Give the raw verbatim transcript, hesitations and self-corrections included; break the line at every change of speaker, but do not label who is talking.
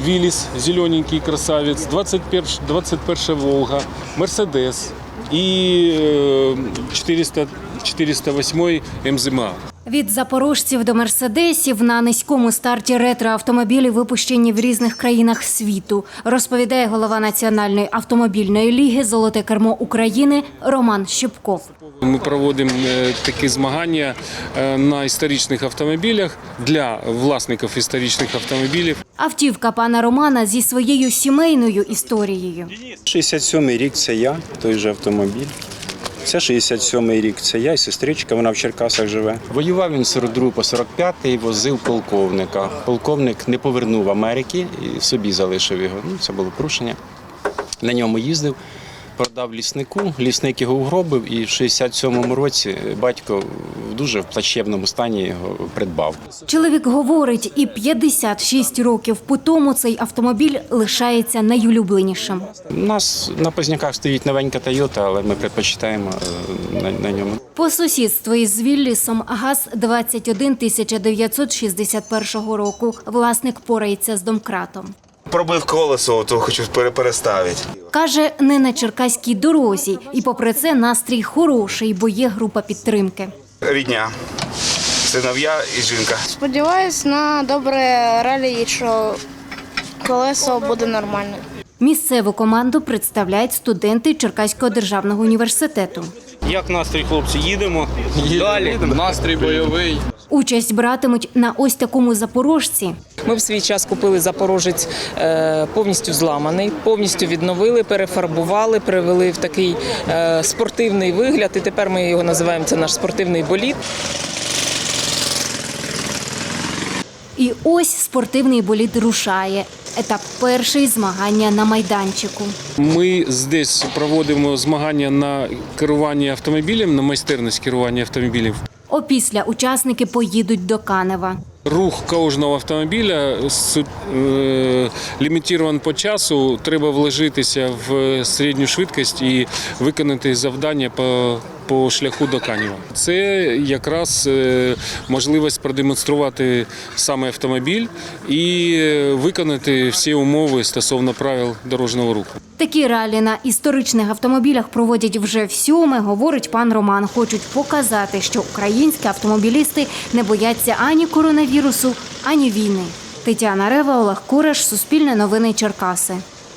Виллис, зелененький красавец, двадцать первая Волга, Мерседес и четыреста, четыреста восемь эм зет эм а.
Від запорожців до мерседесів на низькому старті ретроавтомобілі випущені в різних країнах світу, розповідає голова Національної автомобільної ліги «Золоте кермо України» Роман Щепков.
Ми проводимо такі змагання на історичних автомобілях для власників історичних автомобілів.
Автівка пана Романа зі своєю сімейною історією.
шістдесят сьомий рік – це я, той же автомобіль. Це шістдесят сьомий рік, це я і сестричка, вона в Черкасах живе. Воював він з сорок другого по сорок п'ятий, возив полковника. Полковник не повернув Америки і собі залишив його. Ну, це було порушення. На ньому їздив, продав ліснику, лісник його угробив і в шістдесят сьомому році батько в дуже плачевному стані його придбав.
Чоловік говорить, і п'ятдесят шість років по тому цей автомобіль лишається найулюбленішим.
У нас на Позняках стоїть новенька Тойота, але ми предпочитаємо на, на ньому.
По сусідству із Віллісом ГАЗ двадцять один тисяча дев'ятсот шістдесят першого року. Власник порається з домкратом.
Пробив колесо, то хочу переставити.
Каже, не на черкаській дорозі. І попри це настрій хороший, бо є група підтримки.
Рідня, синов'я і жінка.
Сподіваюсь на добре ралі, що колесо буде нормальне.
Місцеву команду представляють студенти Черкаського державного університету.
Як настрій, хлопці? Їдемо? Далі. Настрій бойовий.
Участь братимуть на ось такому запорожці.
Ми в свій час купили «Запорожець» повністю зламаний, повністю відновили, перефарбували, привели в такий спортивний вигляд. І тепер ми його називаємо, це наш спортивний болід.
І ось спортивний болід рушає. Етап перший – змагання на майданчику.
Ми здесь проводимо змагання на керування автомобілем, на майстерність керування автомобілів.
Опісля учасники поїдуть до Канева.
Рух кожного автомобіля е, лімітований по часу, треба вложитися в середню швидкість і виконати завдання по, по шляху до Канева. Це якраз можливість продемонструвати саме автомобіль і виконати всі умови стосовно правил дорожнього руху.
Такі ралі на історичних автомобілях проводять вже всьоме, говорить пан Роман. Хочуть показати, що українські автомобілісти не бояться ані коронавірусу, ані війни. Тетяна Рева, Олег Кураш, Суспільне новини Черкаси.